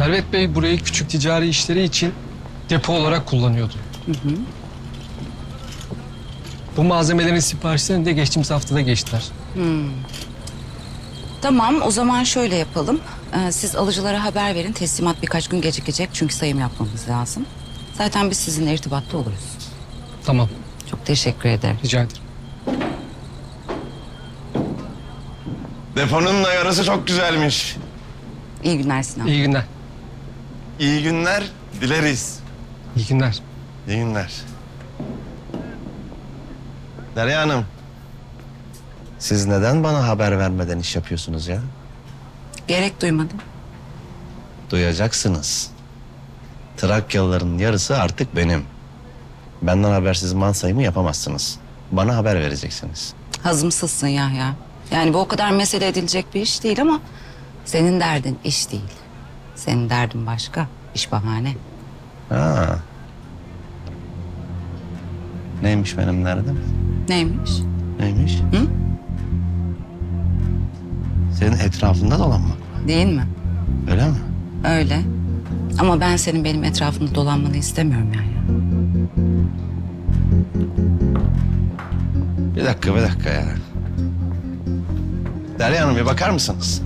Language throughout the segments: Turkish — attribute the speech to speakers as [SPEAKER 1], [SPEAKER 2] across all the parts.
[SPEAKER 1] Servet Bey burayı küçük ticari işleri için depo olarak kullanıyordu. Bu malzemelerin siparişlerini de geçtiğimiz haftada geçtiler.
[SPEAKER 2] Tamam, o zaman şöyle yapalım. Siz alıcılara haber verin. Teslimat birkaç gün gecikecek çünkü sayım yapmamız lazım. Zaten biz sizinle irtibatta oluruz.
[SPEAKER 1] Tamam,
[SPEAKER 2] Çok teşekkür ederim.
[SPEAKER 1] rica ederim.
[SPEAKER 3] Deponun da yarısı çok güzelmiş.
[SPEAKER 2] İyi günler Sinan.
[SPEAKER 1] İyi günler.
[SPEAKER 3] İyi günler dileriz.
[SPEAKER 1] İyi günler.
[SPEAKER 3] İyi günler. Derya Hanım. Siz neden bana haber vermeden iş yapıyorsunuz ya?
[SPEAKER 2] Gerek duymadım.
[SPEAKER 3] Duyacaksınız. Trakyalıların yarısı artık benim. Benden habersiz mal sayımı yapamazsınız. Bana haber vereceksiniz.
[SPEAKER 2] Hazımsızsın Yahya. Yani bu o kadar mesele edilecek bir iş değil ama senin derdin iş değil. Senin derdin başka, iş bahane.
[SPEAKER 3] Ha. Neymiş benim derdim?
[SPEAKER 2] Neymiş?
[SPEAKER 3] Neymiş?
[SPEAKER 2] Hı?
[SPEAKER 3] Senin etrafında dolanmak.
[SPEAKER 2] Değil mi?
[SPEAKER 3] Öyle mi?
[SPEAKER 2] Öyle. Ama ben senin benim etrafımda dolanmanı istemiyorum Yahya.
[SPEAKER 3] Bir dakika ya. Derya Hanım bir bakar mısınız?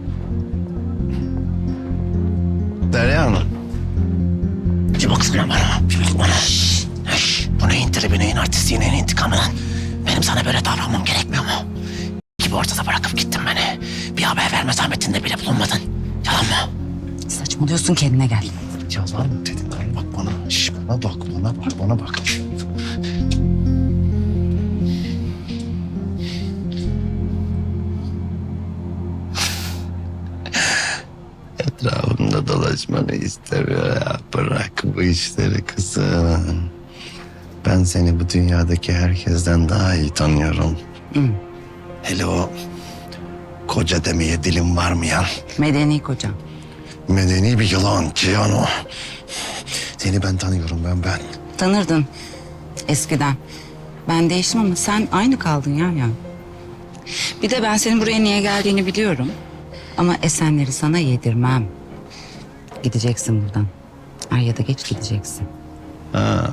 [SPEAKER 3] Derya Hanım. Bir baksana bana, bir bak bana. Bu neyin tribi, neyin artisti, neyin intikamı lan? Benim sana böyle davranmam gerekmiyor mu? Gibi ortada bırakıp gittin beni. Bir haber verme zahmetinde bile bulunmadın. Yalan mı?
[SPEAKER 2] Saçmalıyorsun, kendine gel.
[SPEAKER 3] Yalan mı dedin? Bak bana. Şş, bana bak. Etrafımda dolaşmanı istemiyor ya. Bırak bu işleri kızım. Ben seni bu dünyadaki herkesten daha iyi tanıyorum. Hele o koca demeye dilim varmayan
[SPEAKER 2] Medeni kocam.
[SPEAKER 3] medeni bir yılan Cihan o. Seni ben tanıyorum ben.
[SPEAKER 2] Tanırdın eskiden. Ben değiştim ama sen aynı kaldın ya. Bir de ben senin buraya niye geldiğini biliyorum. Ama Esenleri sana yedirmem. Gideceksin buradan. Er ya da geç gideceksin.
[SPEAKER 3] Ha.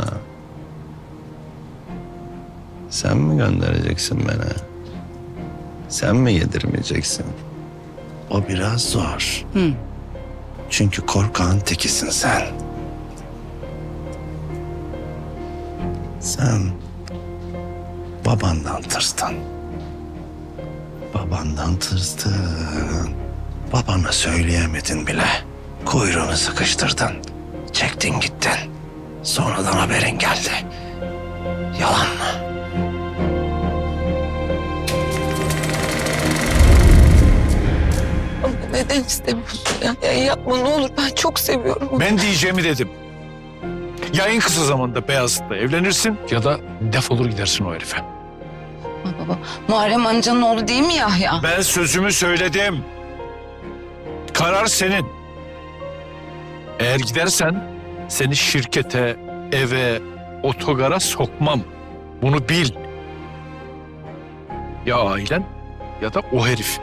[SPEAKER 3] Sen mi göndereceksin beni? Sen mi yedirmeyeceksin? O biraz zor. Çünkü korkağın tekisin sen. Sen babandan tırstın. Babana söyleyemedin bile. Kuyruğunu sıkıştırdın. Çektin gittin. Sonradan haberin geldi. Yalan mı?
[SPEAKER 4] Ama neden istemiyorsun ya? Ya yapma ne olur, ben çok seviyorum onu.
[SPEAKER 5] Ben diyeceğimi dedim. Ya en kısa zamanda Beyazıt'la evlenirsin ya da defolur gidersin o herife.
[SPEAKER 2] Baba, Muharrem amcanın oğlu değil mi Yahya?
[SPEAKER 5] Ben sözümü söyledim. Karar senin. Eğer gidersen seni şirkete, eve, otogara sokmam. Bunu bil. Ya ailen ya da o herif.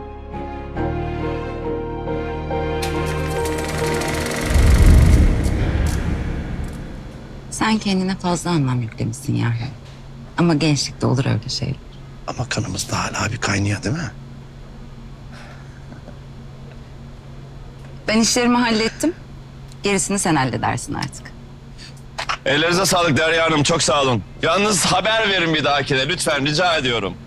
[SPEAKER 2] Sen kendine fazla anlam yüklemişsin Yahya. Ama gençlikte olur öyle şeyler.
[SPEAKER 3] Ama kanımızda hala bir kaynıyor değil mi?
[SPEAKER 2] Ben işlerimi hallettim. Gerisini sen halledersin artık.
[SPEAKER 3] Ellerinize sağlık Derya Hanım. Çok sağ olun. Yalnız haber verin bir dahakine lütfen rica ediyorum.